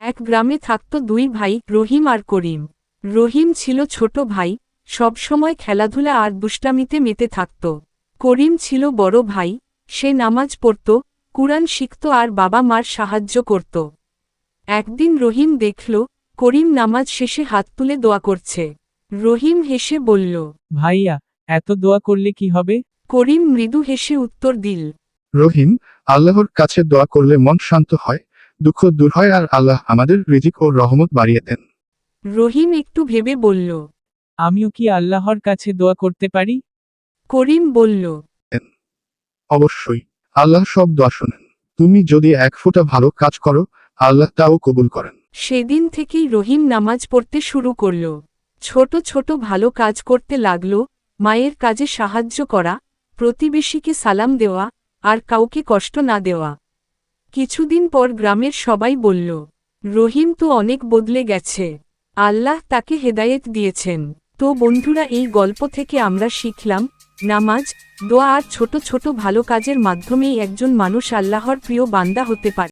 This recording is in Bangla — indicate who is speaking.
Speaker 1: এক গ্রামে থাকত দুই ভাই, রহিম আর করিম। রহিম ছিল ছোট ভাই, সবসময় খেলাধুলা আর দুষ্টামিতে মেতে থাকত। করিম ছিল বড় ভাই, সে নামাজ পড়ত, কুরআন শিখত আর বাবা মার সাহায্য করত। একদিন রহিম দেখল, করিম নামাজ শেষে হাত তুলে দোয়া করছে। রহিম হেসে বলল,
Speaker 2: ভাইয়া, এত দোয়া করলে কি হবে?
Speaker 1: করিম মৃদু হেসে উত্তর দিল,
Speaker 3: রহিম, আল্লাহর কাছে দোয়া করলে মন শান্ত হয়, দুঃখ দূর হয় আর আল্লাহ আমাদের রিজিক ও রহমত বাড়িয়ে দেন।
Speaker 1: রহিম একটু ভেবে বলল।
Speaker 2: আমিও কি আল্লাহর কাছে দোয়া করতে পারি?
Speaker 1: করিম বলল,
Speaker 3: অবশ্যই, আল্লাহ সব দোয়া শোনেন। তুমি যদি এক ফোঁটা ভালো কাজ করো, আল্লাহ তাও কবুল করেন।
Speaker 1: সেদিন থেকেই রহিম নামাজ পড়তে শুরু করল। ছোট ছোট ভালো কাজ করতে লাগল, মায়ের কাজে সাহায্য করা, প্রতিবেশীকে সালাম দেওয়া, আর কাউকে কষ্ট না দেওয়া। কিছুদিন পর গ্রামের সবাই বলল, রহিম তো অনেক বদলে গেছে, আল্লাহ তাকে হেদায়েত দিয়েছেন। তো বন্ধুরা, এই গল্প থেকে আমরা শিখলাম, নামাজ, দোয়া আর ছোট ছোট ভালো কাজের মাধ্যমেই একজন মানুষ আল্লাহর প্রিয় বান্দা হতে পারে।